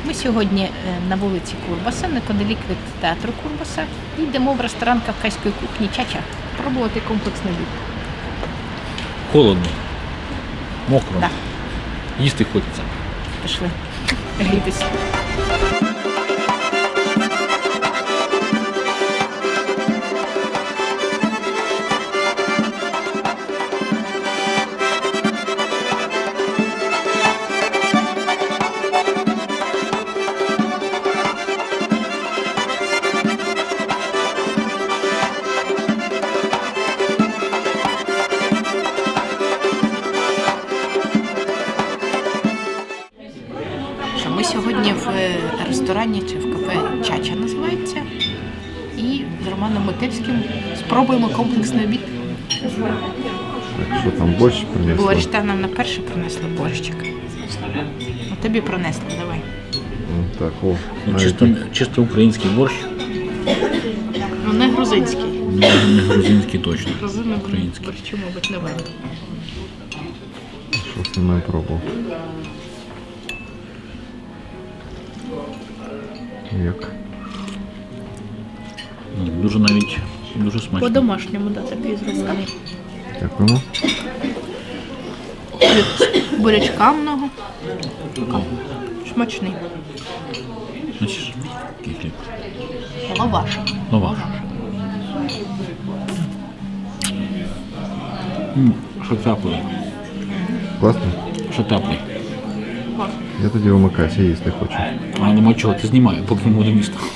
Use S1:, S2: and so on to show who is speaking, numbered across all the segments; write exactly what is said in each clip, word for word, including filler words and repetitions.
S1: Ми сьогодні е, на вулиці Курбаса, неподалік від театру Курбаса, і йдемо в ресторан кавказької кухні Чача пробувати комплексний обід.
S2: Холодно, мокро,
S1: Да.
S2: їсти хочеться.
S1: Пішли грітися. Ми сьогодні в ресторані чи в кафе Чача називається. І з Романом Метельським спробуємо комплексний обід.
S3: Так, що там, борщ принесли?
S1: Борщ, та нам на перше принесли борщик. А тобі принесли, давай.
S3: Ну, так, о,
S2: Ну,
S3: навіть
S2: чисто, чисто український борщ,
S1: Ну, не грузинський.
S2: не, не грузинський точно.
S1: Грузини
S2: Український.
S1: борщу, мабуть, не варто.
S3: щось не пробував. Як?
S2: Ну, дуже навіть дуже смачно.
S1: По-домашньому, да, такий зроблений.
S3: Дякуємо.
S1: Бурячка много. Смачний.
S2: Значить, який хліб.
S1: Лаваш.
S2: Лаваш. М, Що теплий.
S3: Класно?
S2: Що теплий.
S3: Я тоді вимикаюся, їсти хочу.
S2: А нема чого, ти знімаю, поки ми будемо їсти.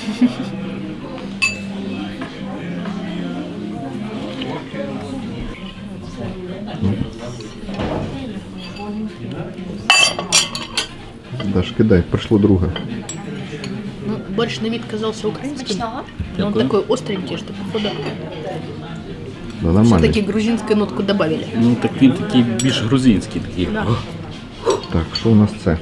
S3: Даш, кидай, прийшло друге.
S1: Ну, борщ на вид казался украинским, но он
S2: Дякую.
S1: такой остренький, что походу
S3: Да, нормально.
S1: все-таки грузинскую нотку добавили.
S2: Ну так він такий більш грузинський такий.
S1: Да.
S3: Так, що у нас це?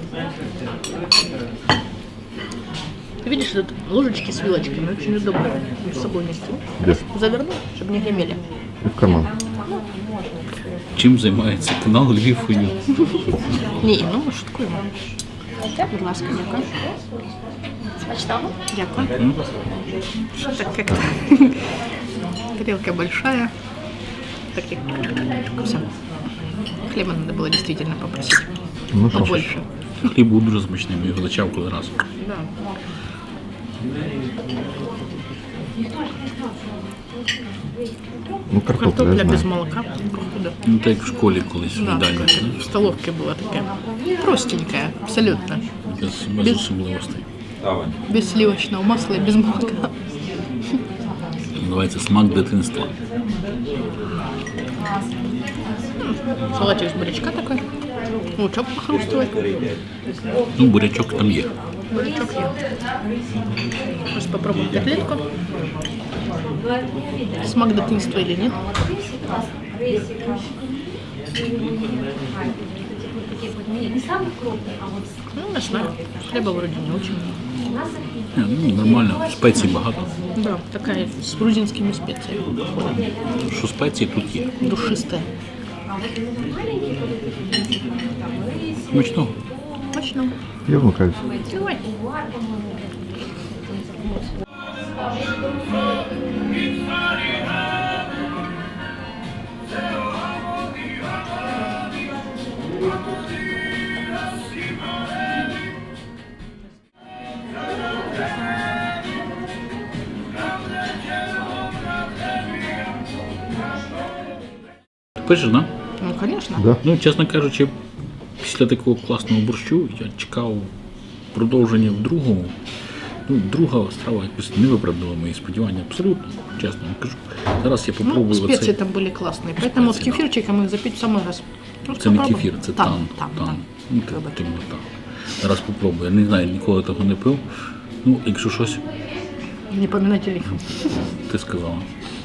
S1: Ты видишь, тут ложечки с вилочками очень удобно с собой нести.
S3: Де?
S1: Завернул, чтобы не гремели.
S3: І в карман.
S2: Чим займається канал Львів Фою?
S1: Ні, ну ми шуткуємо. Будь ласка, дякую. Смачного. Дякую. Что так как тарелка большая. Так и все. Хлеба надо было действительно попросить.
S3: Ну що ж,
S1: Побольше.
S2: Хліб був дуже смачний, ми його зачавкали раз.
S1: Да.
S3: ну картопля,
S1: Картопля
S3: я
S1: без
S3: знаю.
S1: молока. Походу.
S2: Ну так як в школі колись в
S1: Да,
S2: їдальні.
S1: в столовке была такая простенькая, абсолютно.
S2: Без, без
S1: Без-
S2: особливостей.
S1: Без сливочного масла и без молока.
S2: Називається смак дитинства.
S1: Салатик из бурячка такой. Лучок похрустывает.
S2: Ну, бурячок там є.
S1: Бурячок я. Сейчас попробуем котлетку. Смак дитинства или нет? Ну, не знаю. Хлеба вроде не очень.
S2: Ні, ну, нормально, спецій багато.
S1: Да, такая с грузинскими специями.
S2: Що спеції тут є.
S1: Душистая.
S2: Смачного.
S1: Точно.
S3: Я вмикаюся.
S1: Давай.
S2: Пишеш, да?
S1: Ну, конечно.
S3: Да?
S2: Ну, чесно кажучи, після такого класного борщу я чекав продовження в другому. Ну, друга страва якось не виправдала мої сподівання. Абсолютно, чесно вам кажу. Зараз я
S1: Ну,
S2: попробую
S1: специи
S2: оцей.
S1: там были классные, поэтому с
S2: Специи, да.
S1: кефирчиком их запить в самый раз. Просто
S2: Це не
S1: попробуй.
S2: кефір, це
S1: тан.
S2: тан.
S1: Тан,
S2: тан.
S1: тан.
S2: Ну, так,
S1: Вибач.
S2: так, так. Зараз попробую. Я не знаю, ніколи того не пив. Ну, якщо щось,
S1: Не поминайте лихо.
S2: ти сказала.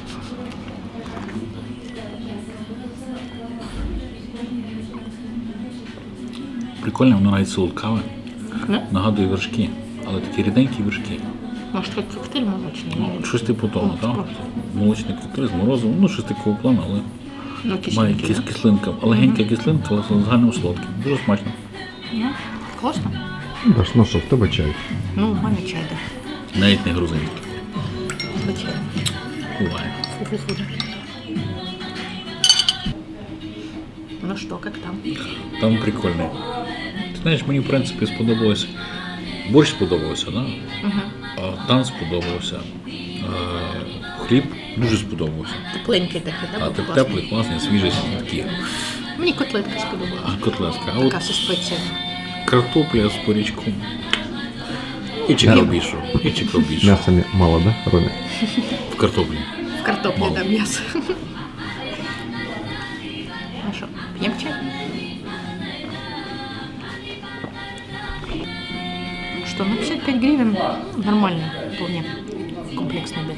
S2: Прикольно, воно навіть солодкаве.
S1: Да?
S2: Нагадує вершки, але такі ріденькі вершки.
S1: Может, как коктейль молочный?
S2: Ну, щось типу того,
S1: Ну,
S2: так?
S1: просто.
S2: Молочний коктейль з морозивом, ну щось такого плану, але
S1: Ну,
S2: має
S1: кисленький,
S2: кис
S1: да?
S2: кислинка. Легенька кислинка, але загально солодкий. Дуже смачно.
S1: Ну, классно.
S3: Даш, ну що, в тебе чай.
S1: Ну, у мене чай, да.
S2: Навіть не грузинський.
S1: Звичайно.
S2: Буває.
S1: Фу-фу-фу. Ну что, как там?
S2: Там прикольно. Ти знаєш, мені в принципі сподобалося. Борщ сподобався, да?
S1: Угу.
S2: А тан сподобався. Е, Хліб дуже сподобався.
S1: Тепленький такий, да?
S2: А
S1: був
S2: теп-
S1: класний.
S2: теплий, класний, свіжий, такий.
S1: Мені котлетка сподобалася.
S2: А котлетка. А от
S1: Така зі спеціями.
S2: картопля з порічком. І чекробішу. І чекробішу.
S3: Мяса не- мало, да, Роме?
S2: В картоплі.
S1: В картоплі
S2: Мало.
S1: да м'ясо. Ну що, п'ємо чай? Что, ну пятьдесят пять гривен нормально, вполне комплексный обед.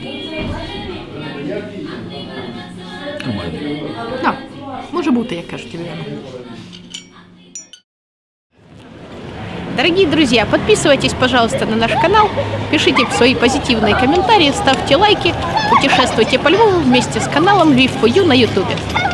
S2: Нормально.
S1: Да, може бути, як кажуть, Ильяна. Дорогие друзья, подписывайтесь, пожалуйста, на наш канал, пишите свои позитивные комментарии, ставьте лайки, путешествуйте по Львову вместе с каналом Львив фор ю на ютубе.